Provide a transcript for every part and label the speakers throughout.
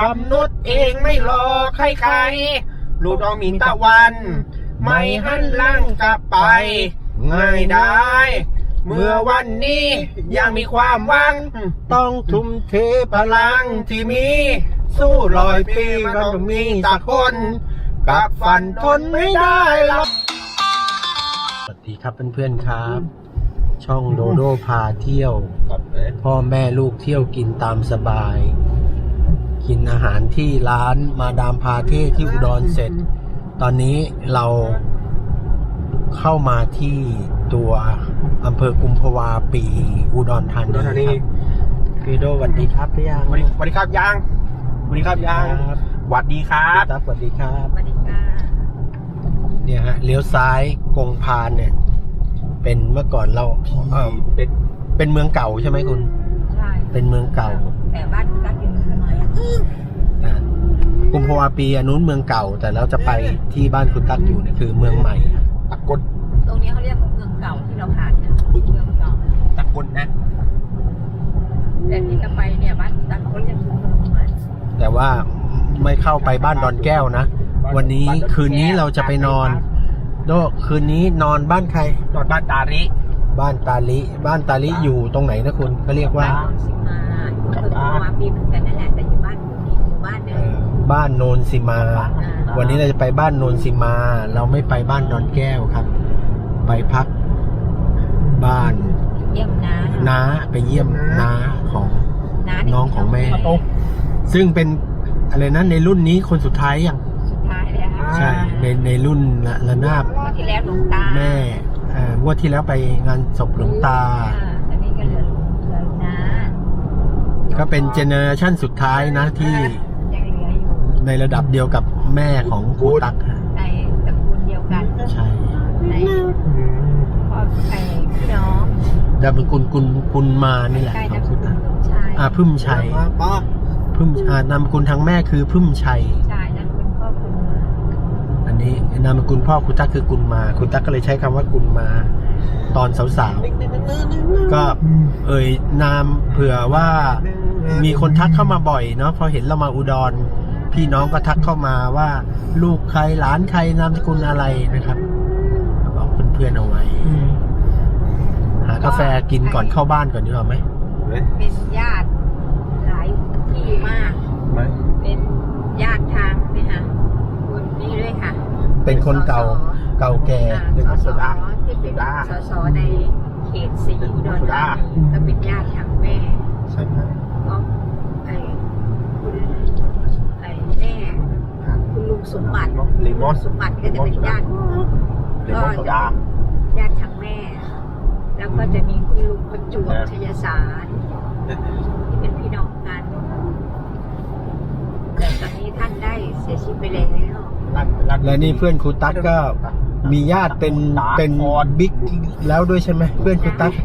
Speaker 1: ำนุษย์เองไม่รอใครๆลูกน้องมีตะวันไม่หันหลังกลับไปง่ายได้เมื่อวันนี้ยังมีความหวังต้องทุ่มเทพลังที่มีสู้100 ปีก็ต้องมีสักคนกับฝันทนไม่ได้หรอกสวัสดีครับเพื่อนๆครับช่องโดโดพาเที่ยวพ่อแม่ลูกเที่ยวกินตามสบายกินอาหารที่ร้านมาดามพาเท่ที่อุดรเสร็จตอนนี้เราเข้ามาที่ตัวอำเภอกุมภาวาปีอุดรธานีครับพี่โดสวัสดีครับพี่ยางสวัสดีครับยางสวัสดีครับยางสวัสดีครับสวัสดีครับสวัสดีค่ะเนี่ยฮะเลี้ยวซ้ายกงพานเนี่ยเป็นเมื่อก่อนเราเป็นเมืองเก่าใช่ไหมคุณใช่เป็นเมืองเก่าแต่บ้านตั้งอยู่ทำไมกุมภาวาปีอันนู้นเมืองเก่าแต่เราจะไปที่บ้านคุณตั๊กอยู่เนี่ยคือเมืองใหม่ตะกน
Speaker 2: ตรงนี้เขาเรียกว่าเมืองเก่าที่เราผ่านนะเมืองเก่า
Speaker 1: ตะกนนะ
Speaker 2: แต่ที่จะไปเนี่ยบ้านคุณตั๊กเขาเรียกเมืองใหม่
Speaker 1: แต่ว่าไม่เข้าไปบ้านดอนแก้วนะวันนี้คืนนี้เราจะไปนอนโดคืนนี้นอนบ้านใครนอนบ้านตาลิบ้านตาลิอยู่ตรงไหนนะคุณเขาเรียกว่า
Speaker 2: สิมาคือปีเหมือนกันนั่นแหละแต่อยู่บ้านนี้หมู่บ้านนึง
Speaker 1: บ้านโนนสิมาวันนี้เราจะไปบ้านโนนสิมาเราไม่ไปบ้านดอนแก้วครับไปพักบ้าน
Speaker 2: เยี่ยมน้า
Speaker 1: ไปเยี่ยมน้าของน้องของแม่ซึ่งเป็นอะไรนะในรุ่นนี้คนสุดท้ายยัง
Speaker 2: สุดท้ายเลยค่ะ
Speaker 1: ใช่ในรุ่นระนาบ
Speaker 2: ที่แล้วหลวงตา
Speaker 1: แม่งวดที่แล้วไปงานศพหลวงตา
Speaker 2: อันนี้ก็เหลือน้า
Speaker 1: ก็เป็นเจเนอเรชั่นสุดท้ายนะที่ในระดับเดียวกับแม่ของครูตั๊ก
Speaker 2: ในตระกูลเดียวกัน
Speaker 1: ใช่
Speaker 2: ในพ่อพี่น้อง
Speaker 1: ดาบกุลมานี่แหละของครูตั๊กพึ่มชัยนามสกุลทางแม่คือพึ่มชัย
Speaker 2: ใช่นามสกุลพ่อกุลมา
Speaker 1: อันนี้นามสกุลพ่อครูตั๊กคือกุลมาครูตั๊กก็เลยใช้คำว่ากุลมาตอนสาวๆก็นามเผื่อว่ามีคนทักเข้ามาบ่อยเนาะพอเห็นเรามาอุดรพี่น้องก็ทักเข้ามาว่าลูกใครหลานใครนามสกุลอะไรนะครับบอกเพื่อนๆเอาไว้หากาแฟกินก่อนเข้าบ้านก่อนดีกว่าไหม
Speaker 2: เป็นญาติหลายที่มากเป็นญาติทางนี่ค่ะคนนี้ด้วยค่ะ
Speaker 1: เป็นคนเก่าแก่
Speaker 2: เป็นสสที่เป็นสสในเขต4อุดรธานีก็เป็นญาติทางแม่
Speaker 1: ใช่ไหม
Speaker 2: ก็คุณแม่คุณลุงสมบัติสมบัติก็จะเป็นญาติก็จะญาติทางแม่แล้วก็จะมีคุณลุงประจวบชยสารที่เป็นพี่น้องกันแต่ตอนนี้ท่านได้เสียชีวิตไปแล้ว
Speaker 1: และนี่เพื่อนครูตั๊กก็มีญาติเป็นบิ๊กแล้วด้วยใช่ไหมเพื่อนครูตั๊ก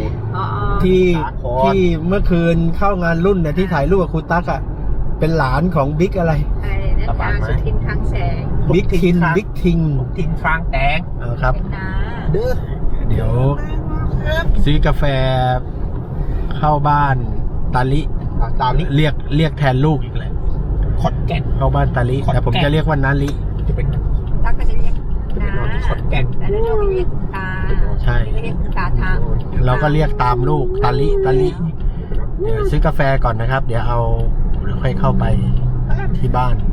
Speaker 1: ที่เมื่อคืนเข้างานรุ่นเนี่ยที่ถ่ายรูปกับครูตั๊กอ่ะเป็นหลานของบิ๊กอะไร
Speaker 2: นะสุทินทางแสง
Speaker 1: บิ๊กทิงฟางแตงครับเดี๋ยวซื้อกาแฟเข้าบ้านตาลิเรียกแทนลูกอีกเลยขอนแก่นเข้าบ้านตาลิแต่ผมจะเรียกว่านาลิ
Speaker 2: จะเป็นตั๊กก็จะเรียกนาขอนแก่นแต่เราเรียกตา
Speaker 1: ใช่
Speaker 2: เรียกตาทาง
Speaker 1: เราก็เรียกตามลูกตาลิเดี๋ยวซื้อกาแฟก่อนนะครับเดี๋ยวค่อยเข้าไปที่บ้าน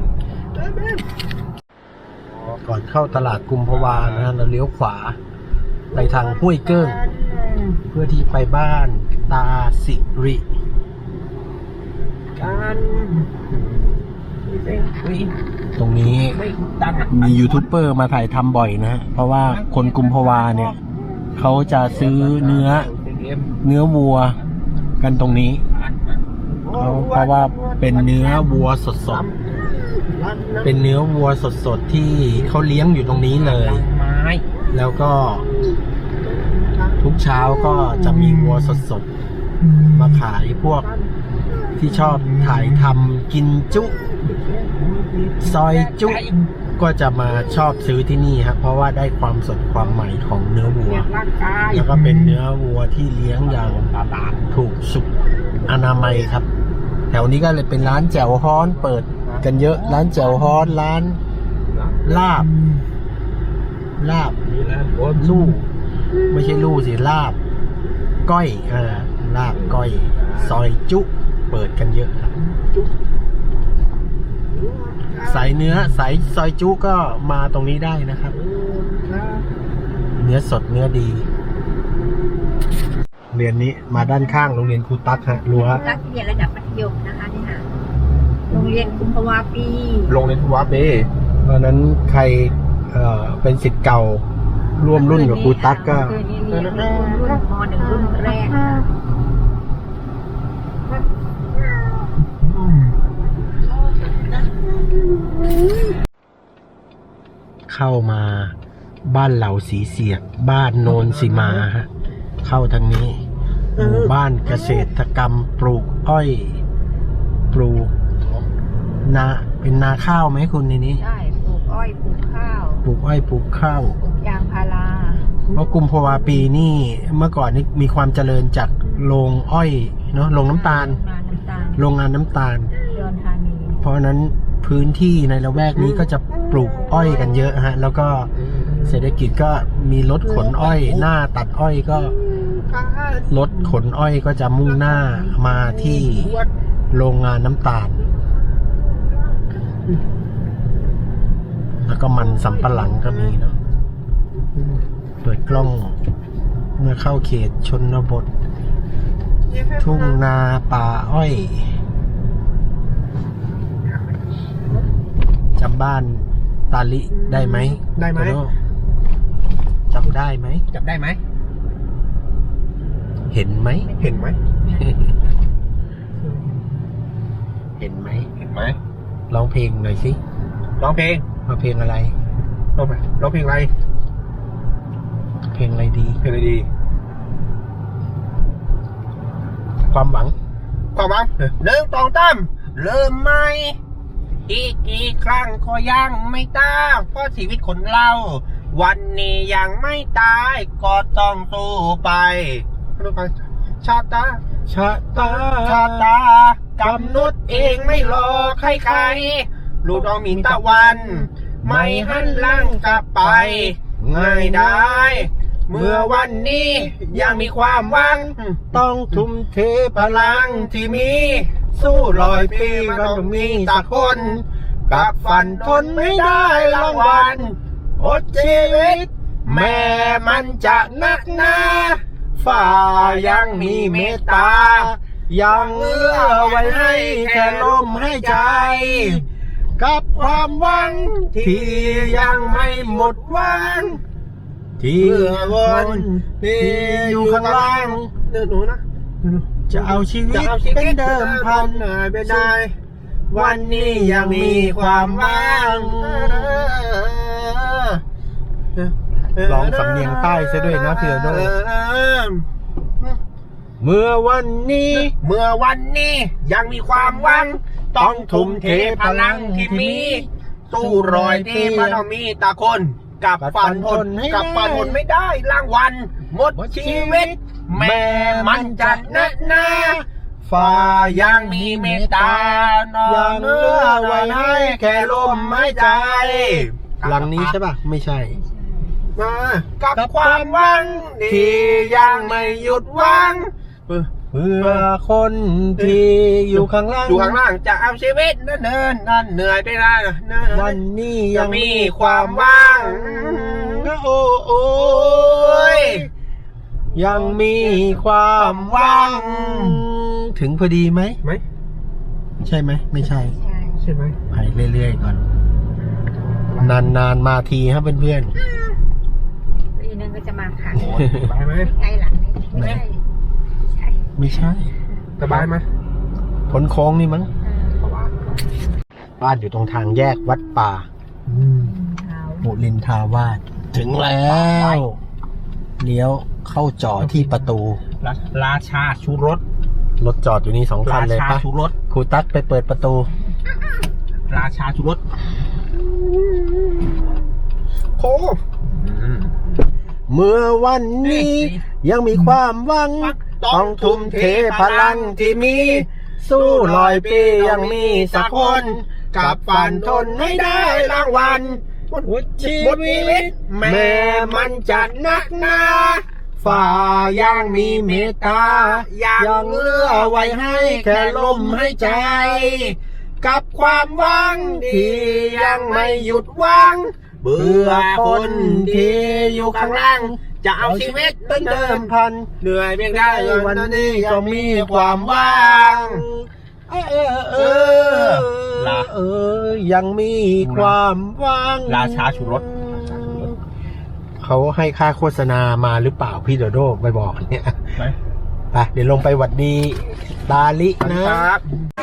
Speaker 1: ก่อนเข้าตลาดกุมภาวานะเราเลี้ยวขวาไปทางห้วยเกิ้งเพื่อที่ไปบ้านตาสิริตรงนี้มียูทูบเบอร์มาถ่ายทำบ่อยนะเพราะว่าคนกุมภาวาเนี่ยเขาจะซื้อเนื้อวัวกันตรงนี้เพราะว่าเป็นเนื้อวัวสดเป็นเนื้อวัวสดที่เขาเลี้ยงอยู่ตรงนี้เลยแล้วก็ทุกเช้าก็จะมีวัวสดมาขายพวกที่ชอบถ่ายทำกินจุซอยจุก็จะมาชอบซื้อที่นี่ครับเพราะว่าได้ความสดความใหม่ของเนื้อวัวแล้วก็เป็นเนื้อวัวที่เลี้ยงอย่างถูกสุขอนามัยครับ
Speaker 3: แถวนี้ก็เลยเป็นร้านแจ่วฮ้อนเปิดกันเยอะ ร้านแจ่วฮ้อนร้านลาบลู่ไม่ใช่ลู่สิลาบก้อยลาบก้อยซอยจุเปิดกันเยอะครับสายเนื้อสายซอยจุก็มาตรงนี้ได้นะครับ เนื้อสดเนื้อดีเรียนนี้มาด้านข้างโรงเรียนครูตั๊กฮะรั้ว
Speaker 2: รักเรียนระดับมัธยมนะคะนี่ค่ะโรงเรียนกุมภาวาปี
Speaker 1: ลงในทัวร์เป้
Speaker 3: เพราะนั้นใครเป็นศิษย์เก่าร่วมรุ่นกับครูตั๊กก็
Speaker 2: เคยเรียนรุ่นม.1 รุ่นแรกค่ะ
Speaker 3: เข้ามาบ้านเหล่าสีเสียกบ้านโนนสีมาฮะเข้าทางนี้หมู่บ้านเกษตรกรรมปลูกอ้อยปลูกนาเป็นนาข้าวไหมคุณในนี้
Speaker 2: ใช่ปลูกอ้อยปลูกข้าว
Speaker 3: ปลูกอ้อยปลูกข้าว
Speaker 2: ปลูกยางพารา
Speaker 3: เพราะกุมภาวาปีนี่เมื่อก่อนนี่มีความเจริญจากโรงอ้อยเนาะโรงน้ำตาล โรงงานน้ำตาล
Speaker 2: อุดรธานี
Speaker 3: เพราะฉะนั้นพื้นที่ในละแวกนี้ก็จะปลูกอ้อยกันเยอะฮะแล้วก็เศรษฐกิจก็มีรถขนอ้อยหน้าตัดอ้อยก็รถขนอ้อยก็จะมุ่งหน้ามาที่โรงงานน้ำตาล แล้วก็มันสำปะหลังก็มีเนาะเปิดกล้องเมื่อเข้าเขตชนบท ทุ่งนาป่าอ้อยจำบ้านตาลิได้ไหม
Speaker 1: ได้ไหม
Speaker 3: โตโน่จำได้ไหม
Speaker 1: จับได้ไหม
Speaker 3: เห็นไหม
Speaker 1: เห็นไหม
Speaker 3: เห็นไหม
Speaker 1: เห็นไหม
Speaker 3: ร้องเพลงหน่อยสิ
Speaker 1: ร้องเพลง
Speaker 3: เอาเพลงอะไร
Speaker 1: ร้องเพลงอะไร
Speaker 3: เพลงอะไรดี
Speaker 1: เพลงอะไรดี
Speaker 3: ความหวัง
Speaker 1: ความหวังเริ่มตองตั้มเริ่มไหมอีกกี่ครั้งก็ยังไม่ตายเพราะชีวิตคนเราวันนี้ยังไม่ตายก็ต้องสู้ไปชาตา
Speaker 3: ชะตา
Speaker 1: ชาตากำหนดเองไม่รอใครๆลูกน้องมีตะวัน ไม่หันหลังกลับไปง่ายได้ เมื่อวันนี้ยังมีความหวัง
Speaker 3: ต้องทุ่มเทพ
Speaker 1: พ
Speaker 3: ลั
Speaker 1: ลั
Speaker 3: ง
Speaker 1: งที่มีสู้100 ปีมันต้องมีตะคนกับฝันทนไม่ได้รางวัลอดชีวิต แม่มันจะนักหนาฝ่ายังมีเมตตา
Speaker 3: ยังเอื้อไว้ให้แค่ลมให้ใจ กับความหวังที่ยังไม่หมดหวัง ที่วนที่อยู่ข้างล่าง
Speaker 1: หนูนะ
Speaker 3: จะเอาชีวิตเป็นเดิมพัน
Speaker 1: เป็นได้วันนี้ยังมีความหวัง
Speaker 3: ร้องสำเนียงใต้ซะด้วยนะเพื่อนโดเมื่อวันนี้
Speaker 1: เมื่อวันนี้ยังมีความหวัง ต้องทุ่มเทพลังที่มีสู้100 ปีมันต้องมีตะคน กับฝันทนกับฝันทนไม่ได้รางวัลหมดชีวิต แม่มันจะนักหนาฝ่ายังมีเมตตานอนเนื้อไว้ให้แค่ลมหายใจ
Speaker 3: หลังนี้ใช่ป่ะ ไม่ใช่
Speaker 1: มากับความหวังที่ยังไม่หยุดหวัง
Speaker 3: เพื่อคนที่อยู่ข้างล่าง
Speaker 1: อยู่ข้างล่างจะเอาชีวิตนั่นนั่นเหนื่อยไปได้นะ
Speaker 3: วันนี้
Speaker 1: ยั
Speaker 3: ยัง ง
Speaker 1: มีความหวัง
Speaker 3: โอ้ยยังมีความหวัง ถึงพอดีไหม
Speaker 1: ไหม
Speaker 3: ใช่ไหมไม่ใช่
Speaker 2: ใช่
Speaker 1: ใช่ไหม
Speaker 3: ไปเรื่อยๆก่อนนานๆมาทีครับเพื่อน
Speaker 2: ปีนึงก็จะมาค่ะ
Speaker 1: สบายไหม
Speaker 2: ใกล้หลังนี้ไม่ใช่ใช่
Speaker 3: ๆไม่ใช่
Speaker 1: สบายไหม
Speaker 3: พ้นโค้งนี่มั้งบ้านอยู่ตรงทางแยกวัดป่า
Speaker 2: เท้า
Speaker 3: บุรินทาวาสถึงแล้วเลี้ยวเข้าจอดที่ประตู
Speaker 1: ราชาชูรส
Speaker 3: รถจอดอยู่นี่2 คันเลย
Speaker 1: รา
Speaker 3: ปะ
Speaker 1: ชาชูรส
Speaker 3: ครูตั๊กไปเปิดประตู
Speaker 1: ราชาชูรสโค
Speaker 3: เมื่อวันนี้ยังมีความหวัง ต้องทุ่มเทพลังที่มีสู้100 ปียังมีสักคนกับฝันทนให้ได้รางวัลชีวิตแม้มันจะหนักหนาฝ่ายังมีเมตตายังเหลือไว้ให้แค่ลมหายใจกับความหวังที่ยังไม่หยุดหวังเบื่อคนที่อยู่ข้างล่างจะเอาชีวิตเป็นเดิมพันเหนื่อยเพียงใดวันนี้ก็มีความหวังยังมีความหวังราชาชูรสเขาให้ค่าโฆษณามาหรือเปล่าพี่โดโดไปบอกเนี่ยไปเดี๋ยวลงไปหวัดดีตาลินะครับ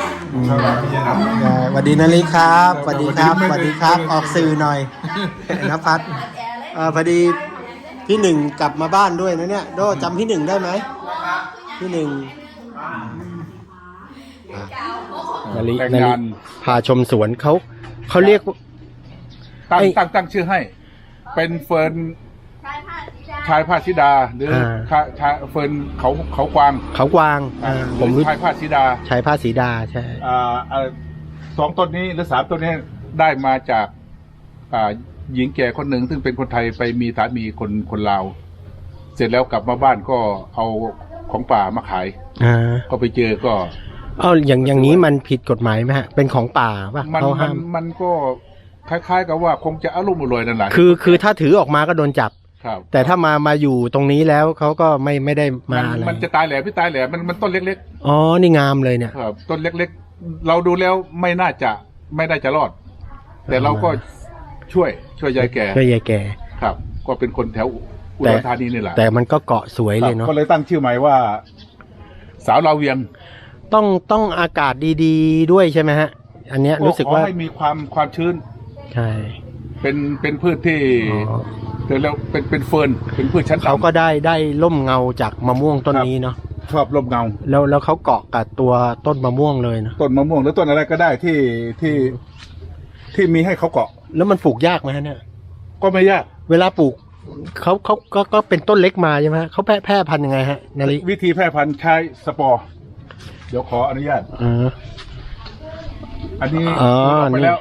Speaker 3: สวัสดีนาลิครับสวัสดีครับสวัสดีครับออกสื่อหน่อยนะพัดพอดีพี่หนึ่งกลับมาบ้านด้วยนะเนี่ยโดจำพี่หนึ่งได้ไหมพี่หนึ่งนาลิพาชมสวนเขาเรียก
Speaker 4: ตั้งชื่อให้เป็นเฟิร์นชายผ้าชิดาหรือเฟิร์นเขากวางผมรู้ชายผ้าชิดา
Speaker 3: ชายผ้าสีดาใช่
Speaker 4: 2 ต้นนี้หรือ3 ต้นนี้ได้มาจากหญิงแก่คนหนึ่งซึ่งเป็นคนไทยไปมีสามีคนลาวเสร็จแล้วกลับมาบ้านก็เอาของป่ามาขายก็ไปเจอก็
Speaker 3: อย่างนี้มันผิดกฎหมายไหมฮะเป็นของป่าป่ะเขาห้าม
Speaker 4: มันก็คล้ายๆกับว่าคงจะอารมณ์อร่อยนั่นแหละ
Speaker 3: คือถ้าถือออกมาก็โดนจับแต่ถ้ามาอยู่ตรงนี้แล้วเขาก็ไม่ได้มาอะไร
Speaker 4: มันจะตายแหล่พี่ตายแหล่มันต้นเล็ก
Speaker 3: ๆอ๋อนี่งามเลยเนี่ย
Speaker 4: ครับต้นเล็กๆเราดูแล้วไม่น่าจะรอดแต่เราก็ช่วยยายแก่ครับก็เป็นคนแถวอุดรธานีนี่แหละ
Speaker 3: แต่มันก็เกาะสวยเลยเนาะ
Speaker 4: ก็เลยตั้งชื่อใหม่ว่าสาวลาวเวียง
Speaker 3: ต้องอากาศดีๆด้วยใช่ไหมฮะอันเนี้ยรู้สึกว่า
Speaker 4: ให้มีความชื้น
Speaker 3: ใช่
Speaker 4: เป็นพืชที่แล้วเป็นเฟิร์นเป็นพืชชั้นต่ำ
Speaker 3: เขาก็ได้ร่มเงาจากมะม่วงต้นนี้เนาะ
Speaker 4: ชอบร่มเงา
Speaker 3: แล้วเขาเกาะกับตัวต้นมะม่วงเลยนะ
Speaker 4: ต้นมะม่วงหรือต้นอะไรก็ได้ที่มีให้เขาเกาะ
Speaker 3: แล้วมันปลูกยากไหมฮะเนี่ย
Speaker 4: ก็ไม่ยาก
Speaker 3: เวลาปลูกเขาก็เป็นต้นเล็กมาใช่ไหมเขาแพร่พันธุ์ยังไงฮะนาริ
Speaker 4: วิธีแพร่พันธุ์ใช้สปอร์เดี๋ยวขออนุญาตอันนี้ไปแล้ว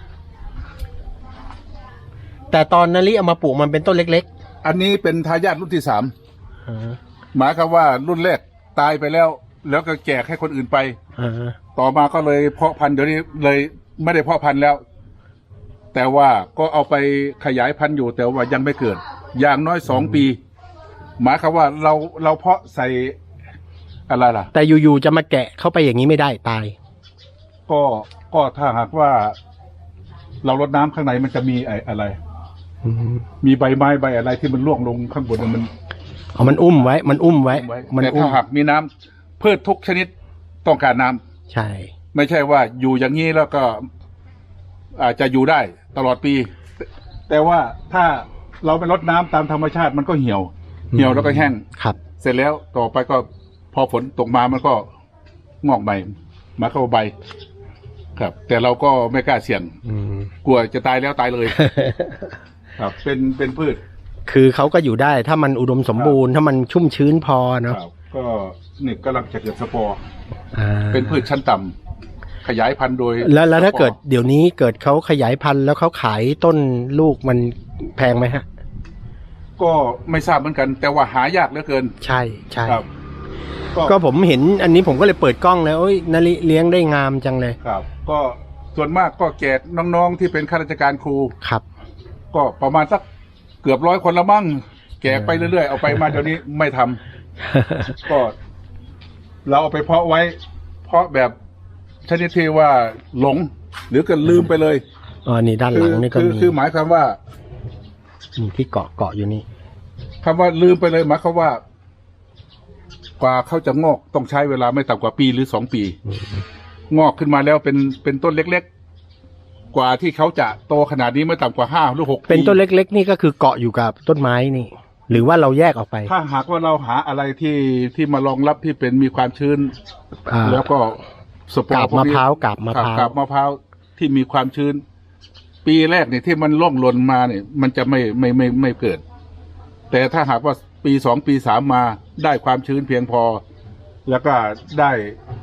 Speaker 3: แต่ตอนนาริเอามาปลูกมันเป็นต้นเล็ก
Speaker 4: ๆอันนี้เป็นทายาทรุ่นที่3หมายความว่ารุ่นแรกตายไปแล้วก็แจกให้คนอื่นไปต่อมาก็เลยเพาะพันธุ์เดี๋ยวนี้เลยไม่ได้เพาะพันธุ์แล้ว แต่ว่าก็เอาไปขยายพันธุ์อยู่แต่ว่ายังไม่เกิดอย่างน้อย2 ปีหมายความว่าเราเพาะใส่อะไรล่ะ
Speaker 3: แต่อยู่ๆจะมาแกะเข้าไปอย่างนี้ไม่ได้ตาย
Speaker 4: ก็ถ้าหากว่าเรารดน้ำข้างในมันจะมีอะไรมีใบไม้ใบอะไรที่มันร่วงลงข้างบน
Speaker 3: มันอุ้มไว้
Speaker 4: แต่ถ้าหากมีน้ำพืชทุกชนิดต้องการน้
Speaker 3: ำใช่
Speaker 4: ไม่ใช่ว่าอยู่อย่างนี้แล้วก็อาจจะอยู่ได้ตลอดปีแต่ว่าถ้าเราไปรดน้ำตามธรรมชาติมันก็เหี่ยวแล้วก็แห้ง
Speaker 3: ครับ
Speaker 4: เสร็จแล้วต่อไปก็พอฝนตกมามันก็งอกใบมาเข้าใบครับแต่เราก็ไม่กล้าเสี่ยงกลัวจะตายแล้วตายเลยครับเป็นพืช
Speaker 3: คือเขาก็อยู่ได้ถ้ามันอุดมสมบูรณ์ถ้ามันชุ่มชื้นพอเนาะ
Speaker 4: ก็นี่กำลังจะเกิดสปอร์เป็นพืชชั้นต่ำขยายพันธุ์โดย
Speaker 3: แล้วถ้าเกิดเดี๋ยวนี้เกิดเขาขยายพันธุ์แล้วเขาขายต้นลูกมันแพงไหมฮะ
Speaker 4: ก็ไม่ทราบเหมือนกันแต่ว่าหายากเหลือเกิน
Speaker 3: ใช่ครับก็ผมเห็นอันนี้ผมก็เลยเปิดกล้องแล้วนาริเลี้ยงได้งามจังเลย
Speaker 4: ครับก็ส่วนมากก็แก่น้องๆที่เป็นข้าราชการครู
Speaker 3: ครับ
Speaker 4: ก็ประมาณสักเกือบ100 คนละมั่งแก่ไปเรื่อยๆเอาไปมาเดี๋ยวนี้ไม่ทำก็เราเอาไปเพาะไว้เพาะแบบชนิดที่ว่าหลงหรือก็ลืมไปเลย
Speaker 3: นี่ด้านหลังนี่ก็มี
Speaker 4: คือหมายความว่า
Speaker 3: ที่เกาะอยู่นี่
Speaker 4: คำว่าลืมไปเลยหมายความว่ากว่าเขาจะงอกต้องใช้เวลาไม่ต่ำกว่าปีหรือ2 ปีงอกขึ้นมาแล้วเป็นต้นเล็กๆกว่าที่เขาจะโตขนาดนี้ไม่ต่ำกว่า5 หรือ 6 ปี
Speaker 3: เป็นต้นเล็กๆนี่ก็คือเกาะอยู่กับต้นไม้นี่หรือว่าเราแยกออกไป
Speaker 4: ถ้าหากว่าเราหาอะไรที่มารองรับที่เป็นมีความชื้นแล้วก็
Speaker 3: สปอร์กาบมะพร้าวกาบมะพ
Speaker 4: ร้าวที่มีความชื้นปีแรกเนี่ยที่มันร่องหล่นมาเนี่ยมันจะไม่เกิดแต่ถ้าหากว่าปี 2 ปี 3มาได้ความชื้นเพียงพอแล้วก็ได้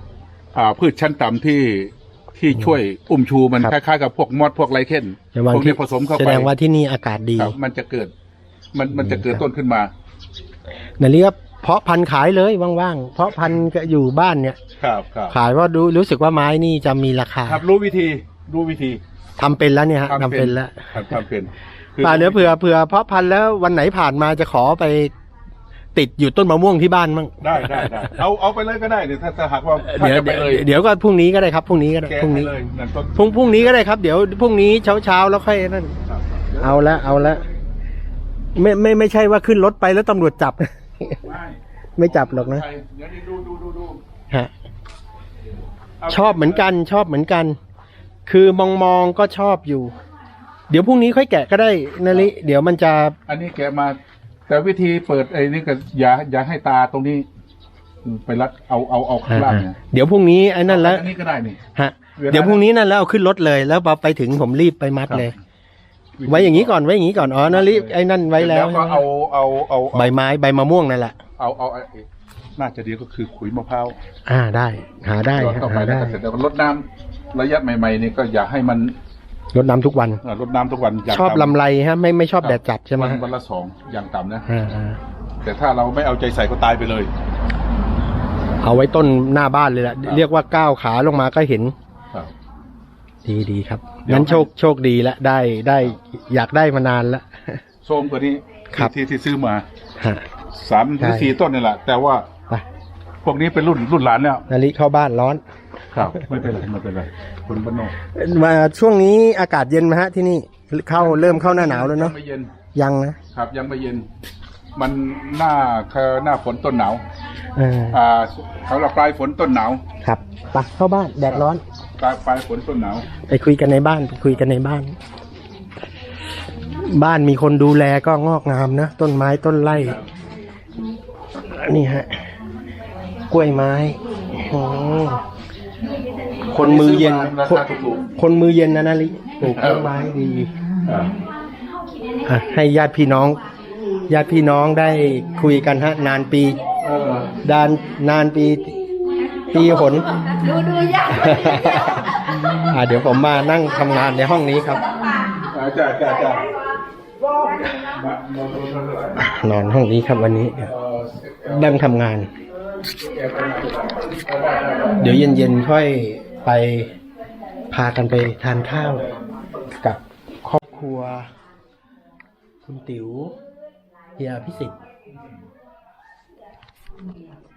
Speaker 4: พืชชั้นต่ำที่ช่วยอุ้มชูมันคล้ายๆกับพวกมอดพวกไรเคนพวกนี้ผสมเข้าไป
Speaker 3: แสดงว่าที่นี่อากาศดี
Speaker 4: ครับมันจะเกิดมันจะเกิดต้นขึ้นมา
Speaker 3: นาลีก็เพาะพันธุ์ขายเลยว่างๆเพาะพันธุ์ก็อยู่บ้านเนี่ย
Speaker 4: ครับ
Speaker 3: ขายว่ารู้สึกว่าไม้นี่จะมีราคา
Speaker 4: ครับรู้วิธี
Speaker 3: ทำเป็นแล้วเนี่ยฮะทำเป็นแล้ว
Speaker 4: ทำเป็น
Speaker 3: ป่าเดี๋ยวเผื่อเพาะพันธุ์แล้ววันไหนผ่านมาจะขอไปติดอยู่ต้นมะม่วงที่บ้านมั่ง
Speaker 4: ได้เอาไปเลยก็ได้เนี่ยถ้าหากว่าถ้าจะไปเลย
Speaker 3: เดี๋ยวก็พรุ่งนี้ก็ได้ครับพรุ่งนี้ก็ได้
Speaker 4: แกะ
Speaker 3: พรุ่ง
Speaker 4: ให้
Speaker 3: นี้
Speaker 4: เลยนั่นต้น
Speaker 3: พรุ่งนี้ก็ได้ครับเดี๋ยวพรุ่งนี้เช้าแล้วค่อยนั่น
Speaker 4: ครับ
Speaker 3: เอาละไม่ใช่ว่าขึ้นรถไปแล้วตำรวจจับ ไม่จับหรอกนะ
Speaker 4: เดี๋ยวนี้ดู
Speaker 3: ฮะชอบเหมือนกัน คือมองก็ชอบอยู่ เดี๋ยวพรุ่งนี้ค่อยแกะก็ได้นาลิเดี๋ยวมันจะ
Speaker 4: อันนี้แกะมา แต่วิธีเปิดไอ้นี่ก็อย่าให้ตาตรงนี้ ไปรัดเอาข้างล่างเนี่ย
Speaker 3: เดี๋ยวพรุ่งนี้ไอ้นั่นแล้ว
Speaker 4: อันนี้ก็ได้นี่
Speaker 3: ฮะเดี๋ยวพรุ่งนี้นั่นแล้วเอาขึ้นรถเลยแล้วพอไปถึงผมรีบไปมัดเลย ไว้อย่างนี้ก่อนอ๋อนาลิไอ้นั่นไว้แล้ว
Speaker 4: ก็เอา
Speaker 3: ใบไม้ใบมะม่วงนั่นแหละ
Speaker 4: เอาน่าจะดีก็คือขุยมะพร้าว
Speaker 3: ได้หาได้
Speaker 4: ต่อไป
Speaker 3: หา
Speaker 4: แล้ว
Speaker 3: ได้
Speaker 4: ก็เสร็จแล้วรดน้ำระยะใหม่ๆนี่ก็อย่าให้มัน
Speaker 3: รดน้ำทุกวัน
Speaker 4: รดน้ำทุกวันอย่าง
Speaker 3: ชอบ
Speaker 4: ต่ำ
Speaker 3: ลำไรฮะไม่ชอบแดดจัดใช่ไหมฮะ
Speaker 4: วันละ2อย่างต่ำนะ
Speaker 3: อ่า
Speaker 4: แต่ถ้าเราไม่เอาใจใส่ก็ตายไปเลย
Speaker 3: เอาไว้ต้นหน้าบ้านเลยแหละเรียกว่าก้าวขาลงมาก็เห็น
Speaker 4: ครับ
Speaker 3: ดีครับ
Speaker 4: เดี๋ยว
Speaker 3: งั้นโชคดีแล้วได้อยากได้มานานแล้ว
Speaker 4: โซมกว่านี้
Speaker 3: ครับ
Speaker 4: ที่ซื้อมา
Speaker 3: ฮะ
Speaker 4: 3 หรือ
Speaker 3: ใช่
Speaker 4: 4 ต้นนี่แหละแต่ว่า
Speaker 3: ไป
Speaker 4: พวกนี้เป็นรุ่นหลานแล้ว
Speaker 3: นาลิเข้าบ้านร้อน
Speaker 4: ครับไม่เป็นไรคนบ้านนอก
Speaker 3: มาช่วงนี้อากาศเย็นไหมฮะที่นี่เริ่มเข้าหน้าหนาวแล้วเนาะ
Speaker 4: ยังไม่เย็น
Speaker 3: ยังนะครับ
Speaker 4: ยังไม่เย็น มันหน้าฝนต้นหนาว เขาเราปลายฝนต้นหนาว
Speaker 3: ครับไปเข้าบ้านแดดร้อน
Speaker 4: ปลายฝนต้นหนาว
Speaker 3: ไปคุยกันในบ้าน บ้านมีคนดูแลก็งอกงามนะต้นไม้ต้นไร่นี่ฮะกล้วยไม้คนมือเย็น
Speaker 4: ราคาถูก
Speaker 3: คนมือเย็นนะนาลิปลูกต้นไม้ดี ให้ญาติพี่น้องได้คุยกันฮะนานปีนานปีหน
Speaker 2: ดูยาก
Speaker 3: เดี๋ยวผมมานั่งทำงานในห้องนี้ครับ
Speaker 4: จ้าน
Speaker 3: อนห้องนี้ครับวันนี้นั่งทำงาน เดี๋ยวเย็นๆค่อยไปพากันไปทานข้าวกับครอบครัวคุณติ๋วเฮียพิสิทธิ์